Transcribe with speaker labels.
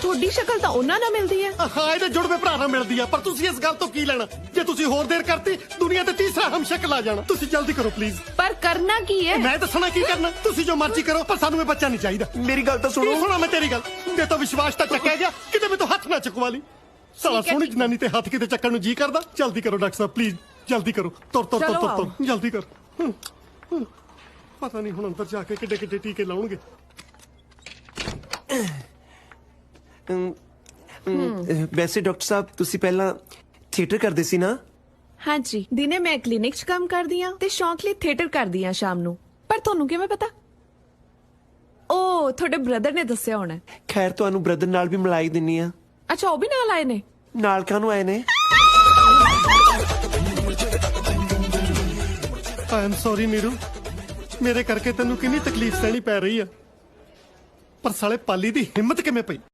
Speaker 1: ਤੁਹਾਡੀ ਸ਼ਕਲ ਤਾਂ ਉਹਨਾਂ ਨਾਲ ਮਿਲਦੀ ਹੈ।
Speaker 2: ਹਾਂ ਇਹਦੇ ਜੁੜਵੇਂ ਭਰਾ ਨਾਲ ਮਿਲਦੀ ਆ, ਪਰ ਤੁਸੀਂ ਇਸ ਗੱਲ ਤੋਂ ਕੀ ਲੈਣਾ? ਜੇ ਤੁਸੀਂ ਹੋਰ ਦੇਰ ਕਰਤੀ ਦੁਨੀਆ ਤੇ ਤੀਸਰਾ ਹਮਸ਼ਕਲ ਆ ਜਾਣਾ। ਤੁਸੀਂ ਜਲਦੀ ਕਰੋ ਪਲੀਜ਼।
Speaker 1: ਪਰ ਕਰਨਾ ਕੀ ਹੈ?
Speaker 2: ਮੈਂ ਦੱਸਣਾ ਕੀ ਕਰਨਾ, ਤੁਸੀਂ ਜੋ ਮਰਜ਼ੀ ਕਰੋ, ਪਰ ਸਾਨੂੰ ਇਹ ਬੱਚਾ ਨਹੀਂ ਚਾਹੀਦਾ।
Speaker 3: ਮੇਰੀ ਗੱਲ ਤਾਂ
Speaker 2: ਕੀ
Speaker 3: ਸੁਣੋ।
Speaker 2: ਸੁਣਾ ਮੈਂ ਤੇਰੀ ਗੱਲ? ਤੇ ਤਾਂ ਵਿਸ਼ਵਾਸ ਤਾਂ ਚੱਕਿਆ ਗਿਆ, ਕਿਤੇ ਮੈਂ ਤੋਂ ਹੱਥ ਨਾ ਚੁਕਵਾ ਲਈ। ਸਾਲਾ
Speaker 1: ਠੀਕ ਹੈ,
Speaker 2: ਸੋਹਣੀ
Speaker 1: ਠੀਕ।
Speaker 2: ਜਨਾਨੀ ਤੇ ਹੱਥ ਕਿਤੇ ਚੱਕਣ ਨੂੰ ਜੀ ਕਰਦਾ। ਜਲਦੀ ਕਰੋ ਡਾਕਟਰ ਸਾਹਿਬ ਪਲੀਜ਼, ਜਲਦੀ ਕਰੋ। ਤੁਰ ਤੁਰ ਤੁਰ
Speaker 1: ਚਲੋ
Speaker 2: ਤੁਰ
Speaker 1: ਆਓ।
Speaker 2: ਤੁਰ ਜਲਦੀ ਕਰ। ਪਤਾ ਨਹੀਂ ਹੁਣ ਅੰਦਰ ਜਾ ਕੇ ਕਿੱਡੇ ਕਿੱਡੇ ਟੀਕੇ ਲਾਉਣਗੇ।
Speaker 3: ਵੈਸੇ ਡਾਕਟਰ ਸਾਹਿਬ ਤੁਸੀਂ ਪਹਿਲਾਂ ਥੀਏਟਰ ਕਰਦੇ ਸੀ ਨਾ?
Speaker 1: ਹਾਂਜੀ, ਦਿਨੇ ਮੈਂ ਕਲੀਨਿਕ 'ਚ ਕੰਮ ਕਰਦੀ ਆ ਤੇ ਸ਼ੌਂਕ ਲਈ ਥੀਏਟਰ ਕਰਦੀ ਆ ਸ਼ਾਮ ਨੂੰ। ਪਰ ਤੁਹਾਨੂੰ ਕਿਵੇਂ ਪਤਾ? ਓ ਤੁਹਾਡੇ ਬ੍ਰਦਰ ਨੇ ਦੱਸਿਆ ਹੋਣਾ।
Speaker 3: ਖੈਰ ਤੁਹਾਨੂੰ ਬ੍ਰਦਰ ਨਾਲ ਵੀ ਮਿਲਾਈ ਦਿੰਨੀ ਆ।
Speaker 1: ਅੱਛਾ, ਉਹ ਵੀ ਨਾਲ ਆਏ ਨੇ?
Speaker 3: ਨਾਲ ਕਾਹਨੂੰ ਆਏ ਨੇ?
Speaker 2: ਆਈ ਐਮ ਸੌਰੀ ਨੀਰੂ, ਮੇਰੇ ਕਰਕੇ ਤੈਨੂੰ ਕਿੰਨੀ ਤਕਲੀਫ ਸਹਿਣੀ ਪੈ ਰਹੀ ਆ। ਪਰ ਸਾਲੇ ਪਾਲੀ ਦੀ ਹਿੰਮਤ ਕਿਵੇਂ ਪਈ?